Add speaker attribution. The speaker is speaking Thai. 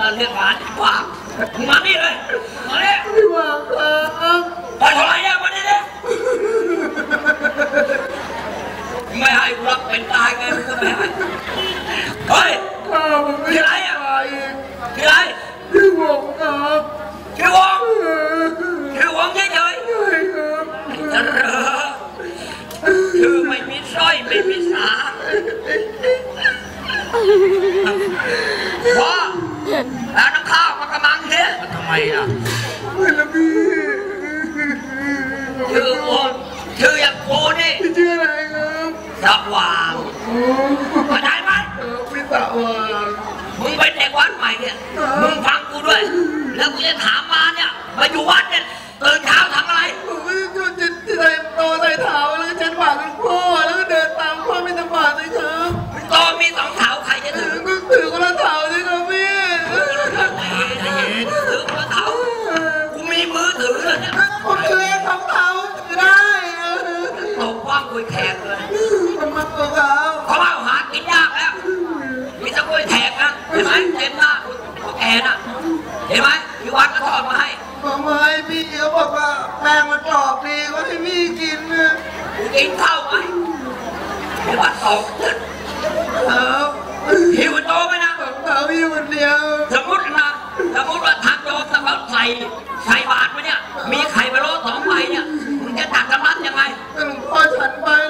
Speaker 1: เราเรียกหลานฝากมานี่เลยมาเนี่ย
Speaker 2: พี่หวังครับ
Speaker 1: ไปเท่าไรเนี่ยวันนี้เนี่ยไม่ให้กูรับเป็นตายไงมึงก็ไม่ให้เฮ้ยที่ไรอ่ะที่ไร
Speaker 2: พี่หวังครับ
Speaker 1: ชื่อวงเฉยๆชื่อไม่มีสร้อยไม่มีสาพ่อแล้วน้ำข้าวมากระมังเนี่ยทำไมอ่ะ
Speaker 2: ไม่ละพี่
Speaker 1: ชื่อวงชื่ออย่างกูนี่
Speaker 2: ชื่ออะไรครับ
Speaker 1: สว่างเข้าใจไหม
Speaker 2: พี่สว่าง
Speaker 1: มึงเป็นเด็กวัดใหม่เนี่ยมึงฟังกูด้วยแล้วกูจะถามมาเนี่ยมาอยู่วัดเนี่ยตื่นเช้าทำอะไร
Speaker 2: ผมก็จะใส่โตใส่เท้าแล้วก็เช็ดปากเป็นพ่อแล้วก็เดินตามพ่อไม่ตบาดเลยครับ
Speaker 1: ตอมี2 เท้าใครจะถือ
Speaker 2: ก็ถือคนละเท้าเลยครับพี่
Speaker 1: ถือคนละเท้ากูมีมือถือเลยเนี่ย
Speaker 2: ผมถือเอง2 เท้าได้
Speaker 1: ตบว่างกล้วยแขกเลย
Speaker 2: มันมาตัวเขา
Speaker 1: เพราะว่าหากินยากแล้วมีแต่กล้วยแขกนะเห็นไหมเต็มหน้าพวกแกน่ะเห็นไหมพี่วัดก็ทอดมาให้
Speaker 2: บอกมาให้พี่เขาบอกว่าแป้งมันกรอบดีก็ให้พี่กินนะ
Speaker 1: กูกินข้าวไหมพี่วัดตก
Speaker 2: ครับ
Speaker 1: หิวโตไหมนะ
Speaker 2: เท้าพี่คนเดียว
Speaker 1: สมมติว่าทางโยมเขาใส่บาตรไว้เนี่ยมีไข่พะโล้2 ใบเนี่ยมึงจะตักกำลังยังไง
Speaker 2: หลวงพ่อฉันไป